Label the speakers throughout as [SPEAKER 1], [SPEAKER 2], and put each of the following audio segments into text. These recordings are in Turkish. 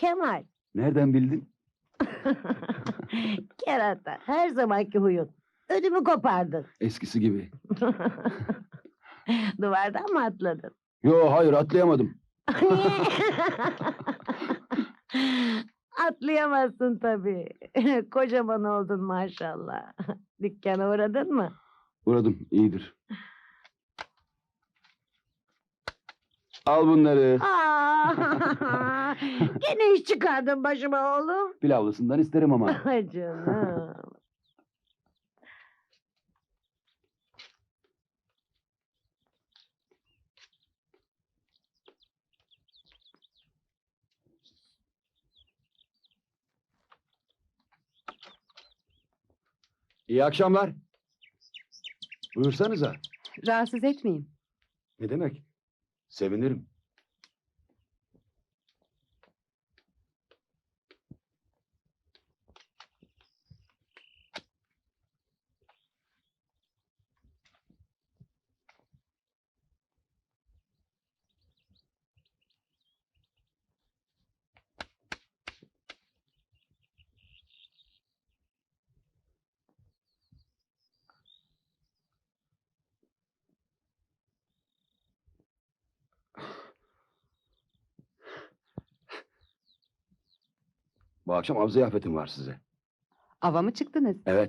[SPEAKER 1] Kemal.
[SPEAKER 2] Nereden bildin?
[SPEAKER 1] Kerata, her zamanki huyun. Ödümü kopardın.
[SPEAKER 2] Eskisi gibi.
[SPEAKER 1] Duvardan mı atladın?
[SPEAKER 2] Yo, hayır, atlayamadım.
[SPEAKER 1] Niye? Atlayamazsın tabii. Kocaman oldun maşallah. Dükkana uğradın mı?
[SPEAKER 2] Uğradım, iyidir. Al bunları.
[SPEAKER 1] Aa, gene iş çıkardın başıma oğlum.
[SPEAKER 2] Pilavlısından isterim ama.
[SPEAKER 1] Ay canım.
[SPEAKER 2] İyi akşamlar. Buyursanıza.
[SPEAKER 3] Rahatsız etmeyeyim.
[SPEAKER 2] Ne demek? Sevinirim. Bu akşam av ziyafetim var size.
[SPEAKER 3] Ava mı çıktınız?
[SPEAKER 2] Evet.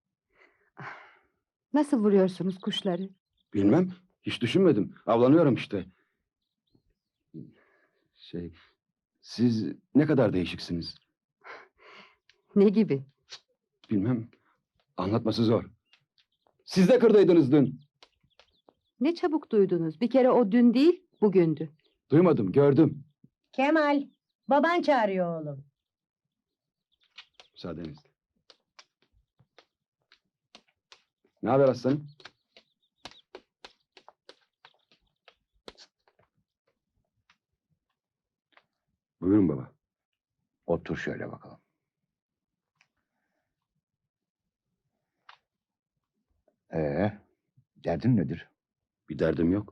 [SPEAKER 3] Nasıl vuruyorsunuz kuşları?
[SPEAKER 2] Bilmem. Hiç düşünmedim. Avlanıyorum işte. Siz ne kadar değişiksiniz?
[SPEAKER 3] Ne gibi?
[SPEAKER 2] Bilmem. Anlatması zor. Siz de kırdaydınız dün.
[SPEAKER 3] Ne çabuk duydunuz. Bir kere o dün değil, bugündü.
[SPEAKER 2] Duymadım, gördüm.
[SPEAKER 1] Kemal, baban çağırıyor oğlum.
[SPEAKER 2] Müsaadenizle. Ne haber aslanım? Buyurun baba.
[SPEAKER 4] Otur şöyle bakalım. Derdin nedir?
[SPEAKER 2] Bir derdim yok.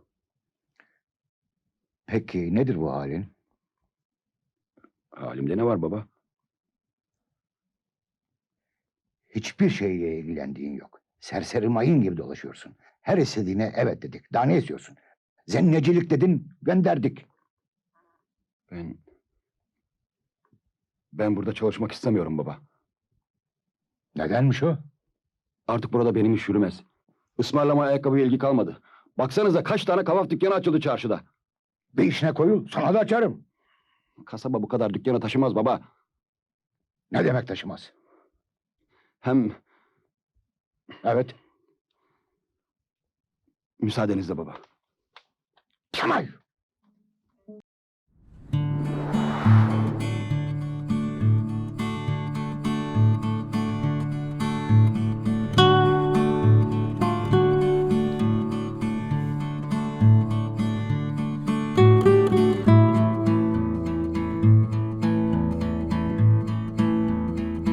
[SPEAKER 4] Peki nedir bu halin?
[SPEAKER 2] Halimde ne var baba?
[SPEAKER 4] Hiçbir şeyle ilgilendiğin yok. Serseri mayın gibi dolaşıyorsun. Her istediğine evet dedik. Daha ne istiyorsun? Zennecilik dedin, gönderdik.
[SPEAKER 2] Ben burada çalışmak istemiyorum baba.
[SPEAKER 4] Nedenmiş o?
[SPEAKER 2] Artık burada benim iş yürümez. Ismarlama ayakkabıya ilgi kalmadı. Baksanıza kaç tane kavaf dükkanı açıldı çarşıda.
[SPEAKER 4] Bir işine koyul, sana da açarım.
[SPEAKER 2] Kasaba bu kadar dükkanı taşımaz baba.
[SPEAKER 4] Ne demek taşımaz?
[SPEAKER 2] Hem
[SPEAKER 4] Evet.
[SPEAKER 2] müsaadenizle baba.
[SPEAKER 4] Kemal!